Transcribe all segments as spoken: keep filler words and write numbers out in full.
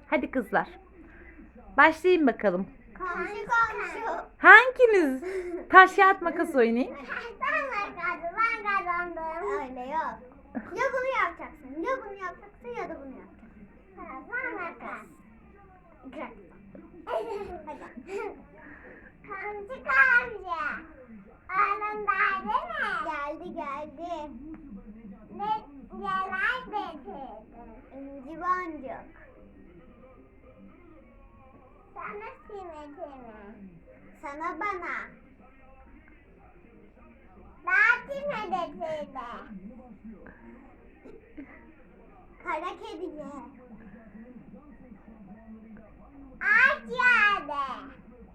Hadi kızlar. Başlayın bakalım. Komşu komşu. Hanginiz? Taş kağıt makas oynayın. Sen kazandın, ben kazandım. Öyle yok. Ya bunu yapacaksın, ya bunu yapacaksın ya da bunu yapacaksın. Sen makas. Hadi. Komşu komşu. Oğlum geldi mi? Geldi geldi. Ne neler getirdin? İnci boncuk. Sana simitimi. Sana bana. Daha kime getirdi? Kara kediye. Ağaç yerde.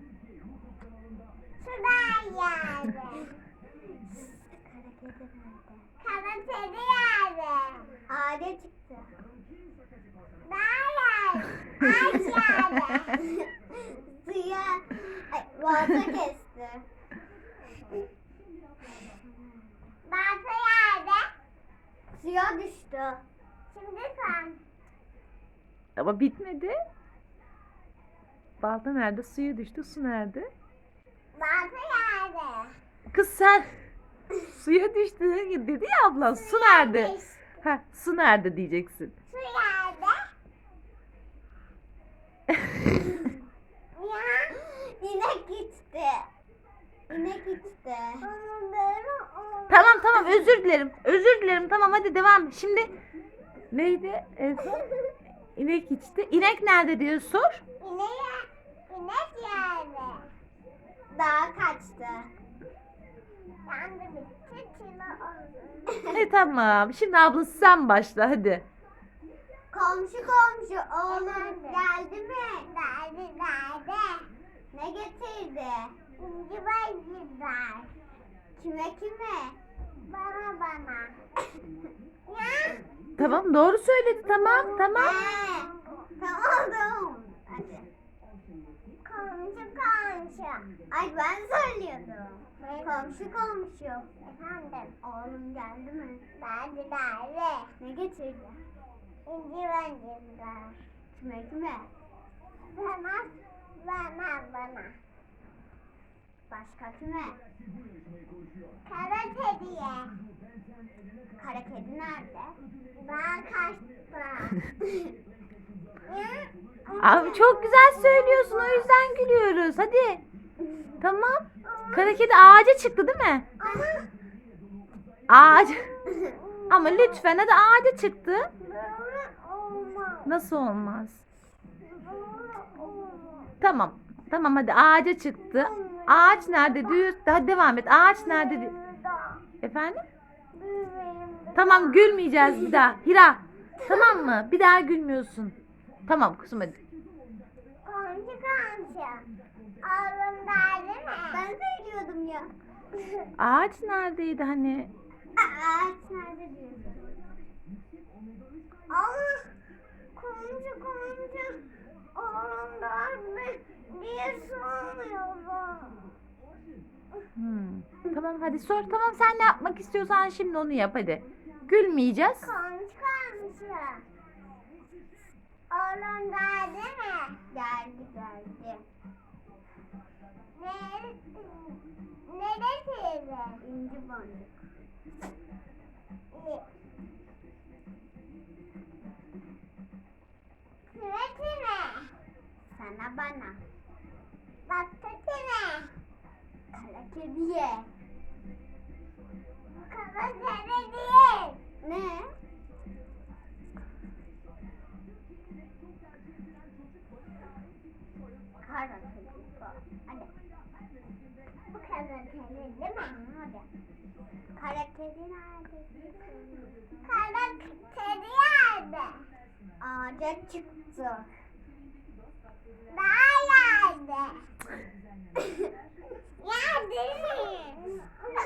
Sudan yerde. Kara kedi yerde. Ağaca çıktı. Daha yerde. Ağaç yerde. Suya, ay, balta kesti. Balta yerde. Suya düştü. Şimdi sen. Ama bitmedi. Balta nerede? Suya düştü. Su nerede? Balta yerde. Kız sen suya düştü dedi ya ablan. Su nerede? düştü. Ha, su nerede diyeceksin. Su yerde. Ya. İnek içti. İnek içti. Tamam tamam özür dilerim. Özür dilerim. Tamam hadi devam. Şimdi neydi? En son? İnek içti. İnek nerede diye sor. İnek, inek yerde. Dağa kaçtı. Ben de bitti kilo oldu. E tamam. Şimdi ablası sen başla hadi. Komşu komşu oğlum geldi mi? Geldi geldi. Ne getirdi? İnci bacılar. Kime kime? Bana bana. Ya. Tamam doğru söyledi. Tamam tamam. He, tamam tamam. Hadi. Komşu komşu. Ay ben söylüyordum. Komşu komşu. Efendim. Oğlum geldi mi? Geldi geldi. Ne getirdi? İnci bacılar. Kime kime? Bana bana bana. Başka kime? Kara kediye. Kara kedi nerede? Ben kaçtım. Abi çok güzel söylüyorsun. O yüzden gülüyoruz. Hadi. Tamam. Kara kedi ağaca çıktı değil mi? Ama Ağaç. Ama lütfen hadi ağaca çıktı. böyle olmaz. Nasıl olmaz? Böyle olmaz. Tamam. Tamam hadi ağaca çıktı. Ağaç nerede? Düz. Hadi devam et. Ağaç nerede? Dü- Burada. Efendim? Büyüğüm. Tamam gülmeyeceğiz bir daha. Hira. Tamam mı? Bir daha gülmüyorsun. Tamam kızım hadi. Komşu komşu. Oğlum geldi mi? Ben söylüyordum ya. Ağaç neredeydi hani? Ağaç nerede diyorsun? Allah! Komşu komşu. Oğlum geldi diye sormuyorum. Hmm. Tamam hadi sor. Tamam sen ne yapmak istiyorsan şimdi onu yap hadi. Gülmeyeceğiz. Komşu komşu. Oğlum geldi mi? Geldi geldi. Ne? Neresiydi? İnci boncuk. Kime kime? Sana bana. Başka kime? Kara kediye. Kara kedi değil. Ne? Kara kedi bu. Hadi. Bu kara kedi değil mi? Hadi. Kara kedi nerede? Kara kedi nerede? Ağaca çıktı. Daha yerde. Yerde mi?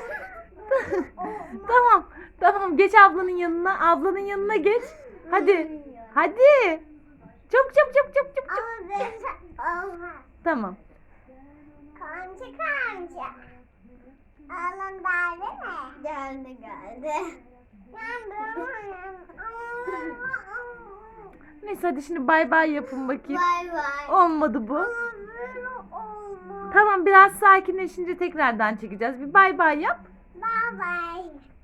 Tamam. Tamam geç ablanın yanına. Ablanın yanına geç. Hadi. Hadi. Çabuk çabuk çabuk çabuk çabuk. Olmaz. Olmaz. Tamam. Komşu komşu. Oğlum geldi mi? Geldi geldi. Ben de Neyse hadi şimdi bay bay yapın bakayım. Bay bay. Olmadı bu. Ama böyle olmaz. Tamam biraz sakinleşince tekrardan çekeceğiz. Bir bay bay yap. Bay bay.